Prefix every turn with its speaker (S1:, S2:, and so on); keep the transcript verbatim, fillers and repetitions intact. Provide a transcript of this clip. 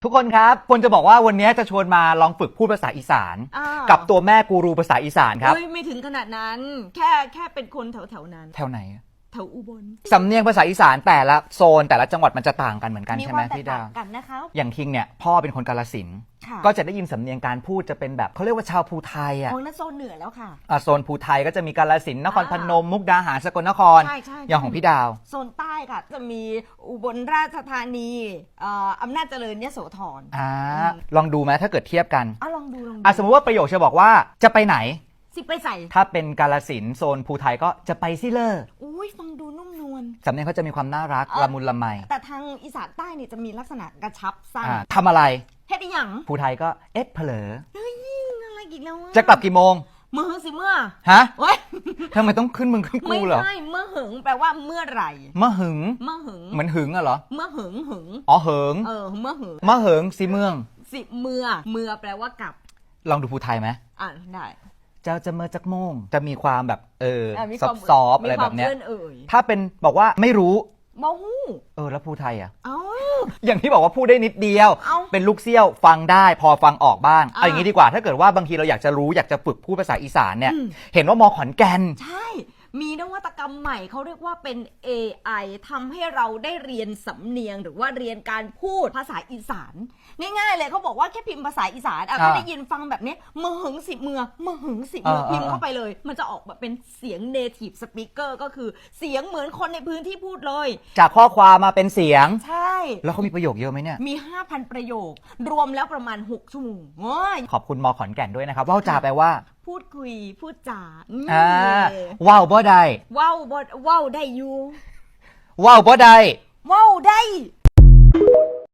S1: ทุกคนครับคนจะบอกว่าวันนี้จะชวนมาลองฝึกพูดภาษาอีสานกับตัวแม่กูรูภาษาอีสานครับ
S2: ไม่ถึงขนาดนั้นแค่แค่เป็นคนแถวแถวนั้น
S1: แถวไหน
S2: แถวอุบล
S1: สำเนียงภาษาอีสานแต่ละโซนแต่ละจังหวัดมันจะต่างกันเหมือนกันใช่ไหมพี่ดาว
S2: กันนะคะ
S1: อย่างคิงเนี่ยพ่อเป็นคนกาฬสินธุ์ก็จะได้ยินสำเนียงการพูดจะเป็นแบบเขาเรียกว่าชาวภูไทยอ่ะ
S2: โอ้นั่นโซนเหนือแล้วค่ะ
S1: อ่าโซนภูไทยก็จะมีกาฬสินธุ์นครพนมมุกดาหารสกลนครอย่างของพี่ดาว
S2: โซนใต้ค่ะจะมีอุบลราชธานีอำนาจเจริญยโสธร
S1: อ่าลองดูไหมถ้าเกิดเทียบกัน
S2: อ่ะลองดูลองดู
S1: อ่ะสมมติว่าประโยคจะบอกว่าจะไปไหน
S2: สิไปใส่
S1: ถ้าเป็นกาฬสินธุ์โซนภูไทยก็จะไปซิเลอร์
S2: อุ้ยฟังดูนุ่มนวล
S1: สำเนียงเขาจะมีความน่ารักละมุนละไม
S2: แต่ทางอีสานใต้นี่จะมีลักษณะกระชับสั้น
S1: ทำอะไร
S2: เฮ็ดอีหยัง
S1: ภูไทยก็เอ๊ะเผลอ
S2: เฮ้ยอะไรอีกแล้ว
S1: จะกลับกี่โมง
S2: เมื่อสิเมื่อ
S1: ฮะทำไมต้องขึ้นมึงขึ้นกูเหรอ
S2: ไม่ใช่เมื่อหึงแปลว่าเมื่อไหร่
S1: เมื่อหึง
S2: เมื่อหึง
S1: เหมือนหึงอะเหรอ
S2: เมื่อหึงหึง
S1: อ๋อหึง
S2: เออเมื่อหึง
S1: เมื่อหึงสิเมือง
S2: สิเมื่อเมื่อแปลว่ากลับ
S1: ลองดูภูไทยไหม
S2: อ่านได้
S1: เจ้าจะเมื่อจักโมงจะมีความแบบเออซอฟซอฟอะไรแบบเนี้ยถ้าเป็นบอกว่าไม่รู้
S2: มอหู
S1: เออแล้วภูไทยอ่ะ
S2: เอ้า
S1: อย่างที่บอกว่าพูดได้นิดเดียวเป็นลูกเซี่ยวฟังได้พอฟังออกบ้างเอาอย่างนี้ดีกว่าถ้าเกิดว่าบางทีเราอยากจะรู้อยากจะฝึกพูดภาษาอีสานเนี่ยเห็นว่ามอขอนแก่น
S2: ใช่มีนวัตกรรมใหม่เขาเรียกว่าเป็น เอ ไอ ทำให้เราได้เรียนสำเนียงหรือว่าเรียนการพูดภาษาอีสานง่ายๆเลยเขาบอกว่าแค่พิมพ์ภาษาอีสานอ่ะก็ได้ยินฟังแบบนี้เมื่อหึงสิเมื่อเมื่อหึงสิเมื่อพิมพ์เข้าไปเลยมันจะออกแบบเป็นเสียง native speaker ก็คือเสียงเหมือนคนในพื้นที่พูดเลย
S1: จากข้อความมาเป็นเสียง
S2: ใช่
S1: แล้วเขามีประโยคเยอะไหมเนี่ย
S2: มี ห้าพัน ประโยครวมแล้วประมาณหกชั่วโมง
S1: ขอบคุณมอขอนแก่นด้วยนะครับว่าวจาแปลว่า
S2: พูดคุยพูดจา
S1: อ่าว้าวบ่ได้
S2: ว้าวบ่ว้าวได้อยู่
S1: ว้าวบ่ได้
S2: ว้าวได้